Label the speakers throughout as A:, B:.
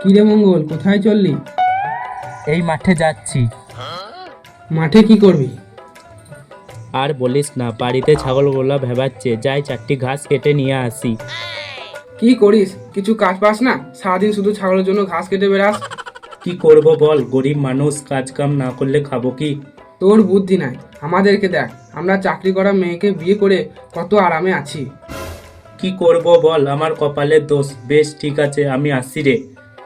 A: কিরে মঙ্গল, কোথায় চললি?
B: এই মাঠে যাচ্ছি।
A: মাঠে কি করবি?
B: আর বলিস না, বাড়িতে ছাগলগুলো ভেবাচ্ছে, যাই চারটি ঘাস কেটে নিয়ে আসি।
A: কি করিস? কিছু কাজ পাস না? সারাদিন শুধু ছাগলের জন্য ঘাস কেটে বেড়াস।
B: কি করব বল, গরিব মানুষ, কাজ কাম না করলে খাবো কি?
A: তোর বুদ্ধি নাই। আমাদেরকে দেখ, আমরা চাকরি করা মেয়েকে বিয়ে করে কত আরামে আছি।
B: কি করব বল, আমার কপালের দোষ। বেশ ঠিক আছে, আমি আসি রে।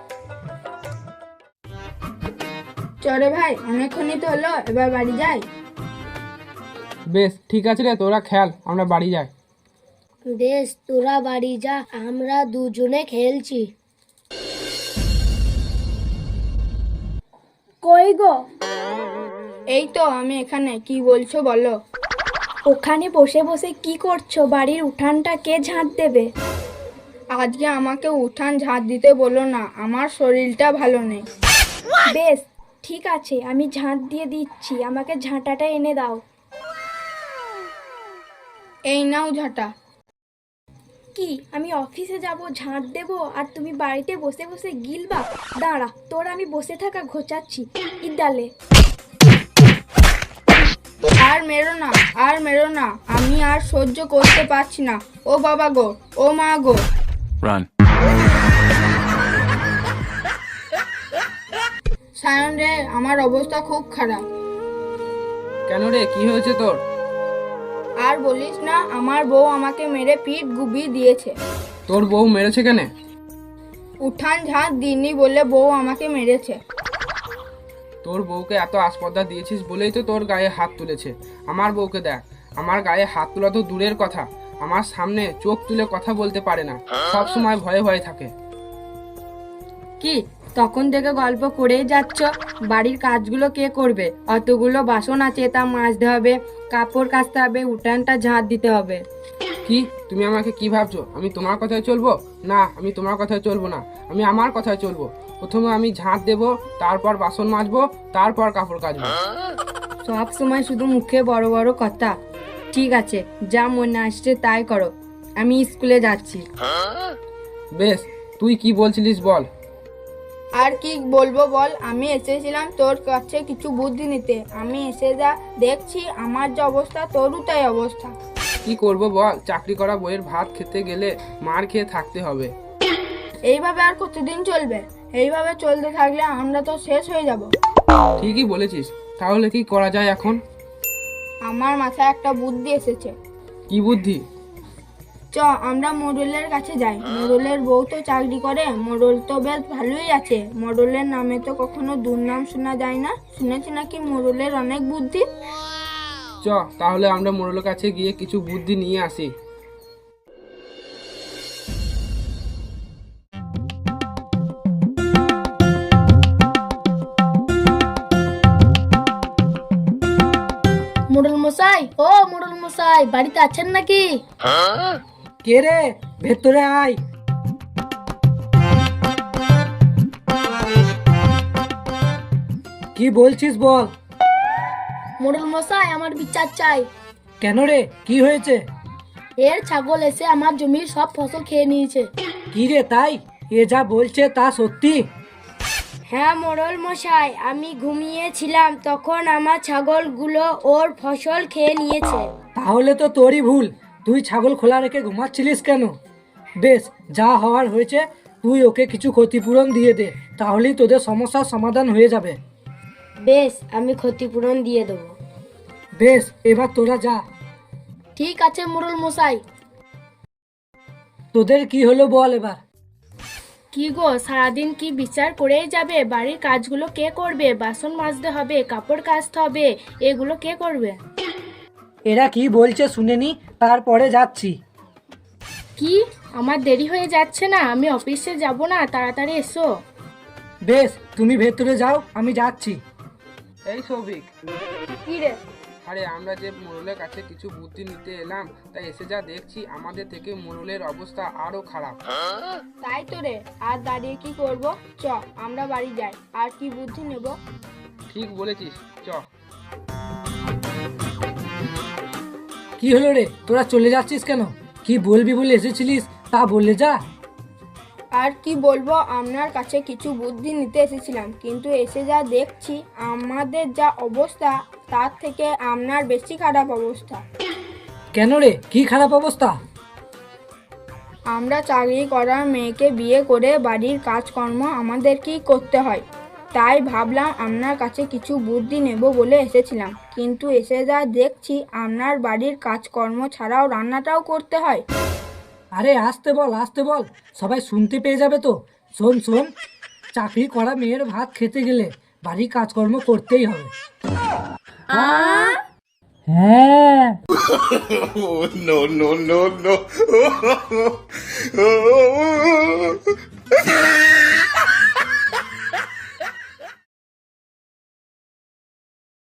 C: চরে ভাই, অনেকক্ষণই তো হলো, এবার বাড়ি যাই।
A: বেশ ঠিক আছে রে, তোরা খেয়াল, আমরা বাড়ি যাই।
D: বেশ, তোরা বাড়ি যা, আমরা দুজনে খেলছি। কই গো?
C: এই তো আমি এখানে। কি বলছো বলো।
D: ওখানে বসে বসে কি করছো? বাড়ির উঠানটা কে ঝাঁট দেবে?
C: আজকে আমাকে উঠান ঝাঁট দিতে বলো না, আমার শরীরটা ভালো নেই।
D: বেশ ঠিক আছে, আমি ঝাঁট দিয়ে দিচ্ছি, আমাকে ঝাঁটাটা এনে দাও।
C: এই নাও ঝাঁটা।
D: কি, আমি অফিসে যাব ঝাঁট দেব আর তুমি বাড়িতে বসে বসে গিলবা? দাঁড়া, তোর আমি বসে থাকা ঘোচাচ্ছি। ইদালে
C: আর মেরো না, আর মেরো না, আমি আর সহ্য করতে পারছি না। ও বাবা গো, ও মা গো।
E: Run.
C: সায়ন রে, আমার অবস্থা খুব খারাপ।
A: কেন রে, কি হয়েছে তোর?
C: আর বলিস না, আমার বউ আমাকে মেরে পিঠ গুবিয়ে দিয়েছে।
A: তোর বউ মেরেছে কেন?
C: উঠান ঝাঁট দিইনি বলে বউ আমাকে মেরেছে।
A: তোর বউকে এত আসপর্দা দিয়েছিস বলেই তো তোর গায়ে হাত তুলেছে। আমার বউকে দেখ, আমার গায়ে হাত তোলা তো দূরের কথা, আমার সামনে চোখ তুলে কথা বলতে পারে না, সব সময় ভয়ে ভয়ে থাকে।
C: কি, তখন থেকে গল্প করেই যাচ্ছ? বাড়ির কাজগুলো কে করবে? অতগুলো বাসন আছে, তা মাজতে হবে, কাপড় কাচতে হবে, উঠানটা ঝাঁট দিতে হবে।
A: কি, তুমি আমাকে কি ভাবছো? আমি তোমার কথায় চলবো? না, আমি তোমার কথায় চলবো না, আমি আমার কথায় চলবো। প্রথমে আমি ঝাঁট দেবো, তারপর বাসন মাজবো, তারপর কাপড় কাচবো।
C: সব সময় শুধু মুখে বড় বড় কথা। ঠিক আছে, যা মনে আসছে তাই করো, আমি স্কুলে যাচ্ছি।
A: বেশ, তুই কি বলছিলিস বল।
C: আর কি বলবো বল, আমি এসেছিলাম তোর কাছে কিছু বুদ্ধি নিতে। আমি এসে যা দেখছি, আমার যে অবস্থা তোরও তাই অবস্থা।
A: কি করব বল, চাকরি করা বইয়ের ভাত খেতে গেলে মার খেয়ে থাকতে হবে।
C: এইভাবে আর কতদিন চলবে? এইভাবে চলতে থাকলে আমরা তো শেষ হয়ে যাব।
A: ঠিকই বলেছিস, তাহলে কি করা যায় এখন?
C: আমার মাথায় একটা বুদ্ধি এসেছে।
A: কি বুদ্ধি?
C: চ, আমরা মোড়লের কাছে যাই। মোড়লের বউ তো চাকরি করে, মোড়ল তো বেশ ভালোই আছে। মোড়লের নামে তো কখনো দুর্নাম শোনা যায় না। শুনেছি নাকি মোড়লের অনেক বুদ্ধি।
A: চ, তাহলে আমরা মোড়লের কাছে গিয়ে কিছু বুদ্ধি নিয়ে আসি।
D: মোড়ল মশাই, ও মোড়ল মশাই, বাড়িতে আছেন নাকি?
F: কে রে, ভেতরে আয়। কি বলছিস বল।
D: মোড়ল মশাই, আমার বিচার চাই।
F: কেন রে, কি হয়েছে?
D: এর ছাগল এসে আমার জমির সব ফসল খেয়ে নিয়েছে।
F: কি রে, তাই? এ যা বলছে তা সত্যি?
D: হ্যাঁ মোড়ল মশাই, আমি ঘুমিয়েছিলাম, তখন আমার ছাগলগুলো ওর ফসল খেয়ে নিয়েছে।
F: তাহলে তো তোরই ভুল, তুই ছাগল খোলা রেখে ঘুমাচ্ছিলিস কেন? বেশ, যা হওয়ার হয়েছে, তুই ওকে কিছু ক্ষতিপূরণ দিয়ে দে, তাহলেই তোদের সমস্যার সমাধান হয়ে যাবে।
D: বেশ, আমি ক্ষতিপূরণ দিয়ে দেবো।
F: বেশ, এবার তোরা যা।
D: ঠিক আছে মোড়ল মশাই।
F: তোদের কি হলো বল এবার।
D: কি গো, সারাদিন কি বিচার করেই যাবে? বাড়ির কাজগুলো কে করবে? বাসন মাজতে হবে, কাপড় কাচতে হবে, এগুলো কে করবে?
F: এরা কি বলছে শুনেনি, তারপরে যাচ্ছি।
D: কি, আমার দেরি হয়ে যাচ্ছে না? আমি অফিসে যাব না, তাড়াতাড়ি এসো।
F: বেশ, তুমি ভেতরে যাও, আমি যাচ্ছি।
A: এই সৌভিক,
C: কি রে?
A: আরে আমরা যে মোড়লের কাছে কিছু বুদ্ধি নিতে এলাম, তাই এসে যা দেখছি আমাদের থেকে মোড়লের অবস্থা আরো খারাপ।
C: তাই তো রে, আর দাঁড়িয়ে কি করব? চ, আমরা বাড়ি যাই, আর কি বুদ্ধি নেব।
A: ঠিক বলেছিস, চ।
F: কি হলো রে, তোরা চলে যাচ্ছিস কেন? কি বলবি বলে এসেছিলিস তা বললে যা।
C: আর কি বলবো, আপনার কাছে কিছু বুদ্ধি নিতে এসেছিলাম, কিন্তু এসে যা দেখছি আমাদের যা অবস্থা তার থেকে আপনার বেশি খারাপ অবস্থা।
F: কেন রে, কি খারাপ অবস্থা?
C: আমরা চাকরি করা মেয়েকে বিয়ে করে বাড়ির কাজকর্ম আমাদেরকেই করতে হয়, তাই ভাবলাম আপনার কাছে কিছু বুদ্ধি নেব বলে এসেছিলাম, কিন্তু এসে যা দেখছি আপনার বাড়ির কাজকর্ম ছাড়াও রান্নাটাও করতে হয়।
F: আরে আসতে বল, সবাই শুনতে পেয়ে যাবে তো। শোন, চাকরি করা মেয়ের ভাত খেতে গেলে বাড়ির কাজকর্ম করতেই হবে। হ্যাঁ,
E: no, no, no, no.